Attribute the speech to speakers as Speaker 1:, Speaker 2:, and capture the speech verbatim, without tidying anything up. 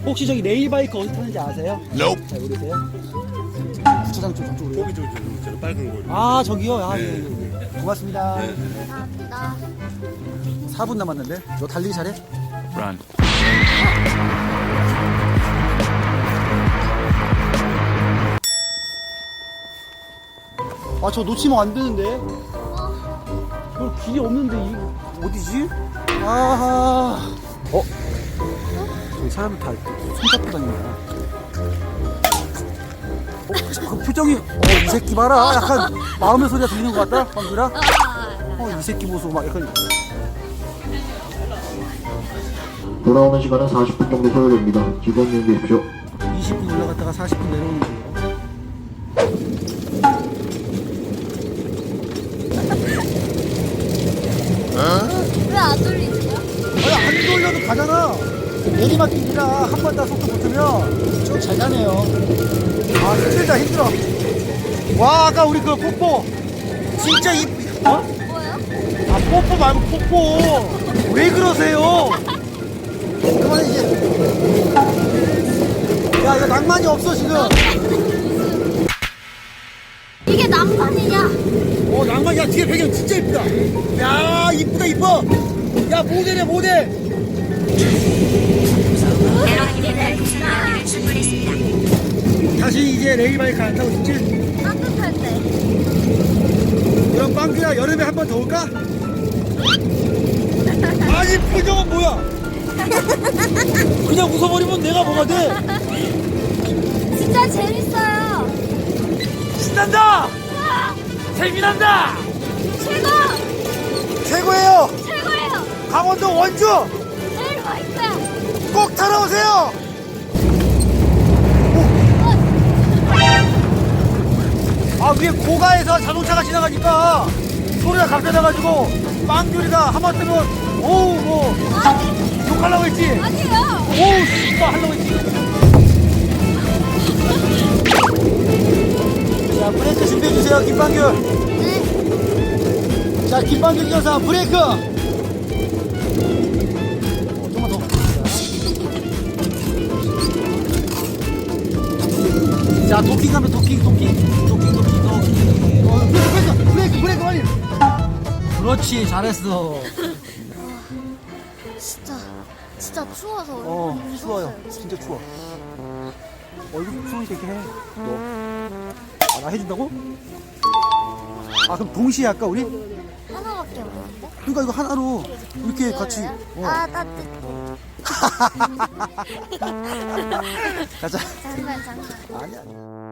Speaker 1: 혹시 저기 레일바이크 어디 타는지 아세요?
Speaker 2: Nope.
Speaker 1: 잘 모르세요? 주차장 쪽 저쪽으로.
Speaker 2: 거기 저, 저, 저 빨간 거.
Speaker 1: 아 저기요? 아,
Speaker 2: 네.
Speaker 1: 예, 예, 예. 고맙습니다.
Speaker 2: 네.
Speaker 3: 감사합니다.
Speaker 1: 사 분 남았는데? 너 달리기 잘해?
Speaker 2: Run.
Speaker 1: 아 저 놓치면 안 되는데. 저 길이 없는데 이 어디지? 아하. 어? 저기 사람들 다 손잡고 다닌다. 어? 그 표정이 어 이 새끼 봐라. 약간 마음의 소리가 들리는 것 같다. 방귀라. 어 이 새끼 보소 막 약간.
Speaker 4: 돌아오는 시간은 사십 분 정도 소요됩니다. 즐거운 여행 되십시오.
Speaker 1: 이십 분 올라갔다가 사십 분 내려오는 거예요.
Speaker 3: 왜 안 돌리세요?
Speaker 1: 아니 안 돌려도 가잖아. 내리막길이라 한 번 다 속도 붙으면 좀 잘 가네요. 아 힘들다 힘들어. 와 아까 우리 그 뽀뽀 진짜 이 어?
Speaker 3: 뭐요?
Speaker 1: 아 뽀뽀 말고 뽀뽀 왜 그러세요? 그만해 이제. 야 이거 낭만이 없어 지금.
Speaker 3: 이게 낭만이냐?
Speaker 1: 어 낭만. 야 뒤에 배경 진짜 이쁘다. 야 이쁘다 이뻐. 야 모델이야 모델. 다시 이제 레일바이크 안 타고 싶지?
Speaker 3: 따뜻할 때.
Speaker 1: 그럼 빵규야 여름에 한 번 더 올까? 아니 표정은 뭐야? 그냥 웃어버리면 내가 뭐가 돼?
Speaker 3: 진짜 재밌어요.
Speaker 1: 신난다! 재미난다!
Speaker 3: 최고!
Speaker 1: 최고예요!
Speaker 3: 최고예요!
Speaker 1: 강원도 원주
Speaker 3: 내일 와 있어요.
Speaker 1: 꼭 타러 오세요! 아 위에 고가에서 자동차가 지나가니까 소리가 갑자나가지고 빵규리가 하마터면 오우 뭐
Speaker 3: 아니,
Speaker 1: 욕하려고 했지?
Speaker 3: 아니에요.
Speaker 1: 오우 씨발 하려고 했지? 자 브레이크 준비해주세요 김빵규.
Speaker 3: 네.
Speaker 1: 자 김빵규 기사 브레이크. 어, 좀만 더. 자 도킹 하면 도킹 도킹 도킹 도킹 도킹. 어, 브레이크 브레이크 브레이크 빨리. 그렇지 잘했어.
Speaker 3: 진짜, 진짜 추워서.
Speaker 1: 어
Speaker 3: 얼굴이
Speaker 1: 추워요
Speaker 3: 무서웠어요.
Speaker 1: 진짜 추워. 얼굴 추우니까 이렇게 해. 너. 아, 나 해준다고? 아 그럼 동시에 할까 우리?
Speaker 3: 하나밖에 없는데?
Speaker 1: 그러니까 이거 하나로 이렇게 같이.
Speaker 3: 이거예요?
Speaker 1: 어.
Speaker 3: 아, 따뜻해.
Speaker 1: 가자.
Speaker 3: 장난, 장난.
Speaker 1: 아니야.